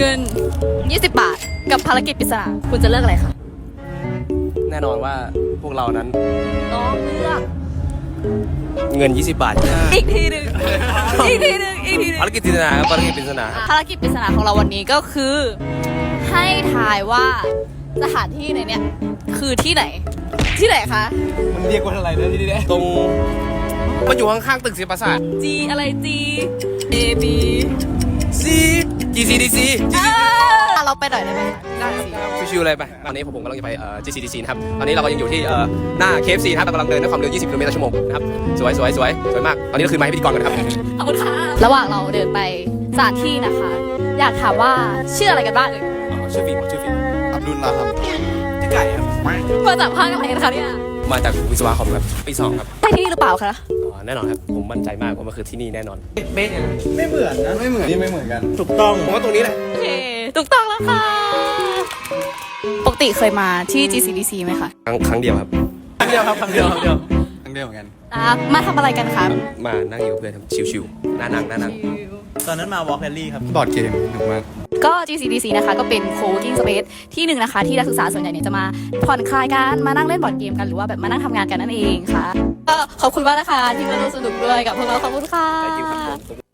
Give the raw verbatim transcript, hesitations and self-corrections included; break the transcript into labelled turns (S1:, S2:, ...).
S1: เงินยี่สิบบาทกับภารกิจปริศนาคุณจะเลือกอะไรคะ
S2: แน่นอนว่าพวกเรานั้น
S1: ต้องเลือก
S2: เงินยี่สิบบาท
S1: อีกทีหนึ่งอีกทีหนึ่งอีกทีหนึ่ง
S2: ภารกิจปริศนาครับภารกิจปริศนา
S1: ภารกิจปริศนาของเราวันนี้ก็คือ ให้ทายว่าสถานที่ไหนเนี่ยคือที่ไหนที่ไหนคะ
S3: มันเรียกว่าอะไรนะที่นี่
S2: ตรงมันอยู่ข้างๆตึกศิลปศาสตร์
S1: G อะไร G A B
S2: C G C D C
S1: เราไปหน่อยได้ไหม
S2: ได้ชิวๆเลยไปตอนนี้ผมกำลังจะไปเอ่อ G C D C นะครับตอนนี้เราก็ยังอยู่ที่เอ่อหน้า เค เอฟ ซี นะครับเรากำลังเดินด้วยความเร็วยี่สิบกิโลเมตรต่อชั่วโมงนะครับสวยสวยสวยสวยมากตอนนี้เราคืนไมค์ให้พิธีกรกันนะครับ
S1: ขอบคุณค่ะระหว่างเราเดินไปสถานที่นะคะ อยากถามว่าชื่ออะไรกันบ้างเอ่ย
S2: อ๋อชื่อฟิล์มชื่อฟิล์ม
S3: อับดุลลาครับ
S2: ชื่อไก่ครับ
S1: มาจากภาคอะไรกันคะเนี่ย
S2: มาจากวิศวะคอมครับปีสองครับ
S1: ใช่ที่นี่หรือเปล่าคะ
S2: อ๋อแน่นอนครับผมมั่นใจมากว่ามันคือที่นี่แน่นอน
S3: ไม่เหมือนนะไม่เหมือนนี่ไม่เหมือนกันถูกต้อง
S2: ผมว่าตรงนี้แหละ
S1: โอเคถูกต้องแล้วค่ะปกติเคยมาที่ จี ซี ดี ซี ไหมคะ
S2: ครั้งครั้งเดียวครับครั้งเดียวครับครั้งเดียวครั้งเดียว
S3: ทั้งเดียวเหมือนกัน
S1: อ่ะมาทำอะไรกันครับ
S2: มานั่งอยู่กับเพื่อนครับชิวๆน่านั่งน่านั่ง
S3: ตอนนั้นมาวอล์กแรลลี่ครับบอร์ดเกมถูกมาก
S1: ก็ จี ซี ดี ซี นะคะก็เป็น co-working space ที่หนึ่งนะคะที่นักศึกษาส่วนใหญ่เนี่ยจะมาผ่อนคลายกันมานั่งเล่นบอร์ดเกมกันหรือว่าแบบมานั่งทำงานกันนั่นเองค่ะก็ขอบคุณมากนะคะที่มาร่วมสนุกด้วยกับพวกเราขอบคุณค่ะ
S2: ได้ยินครับผม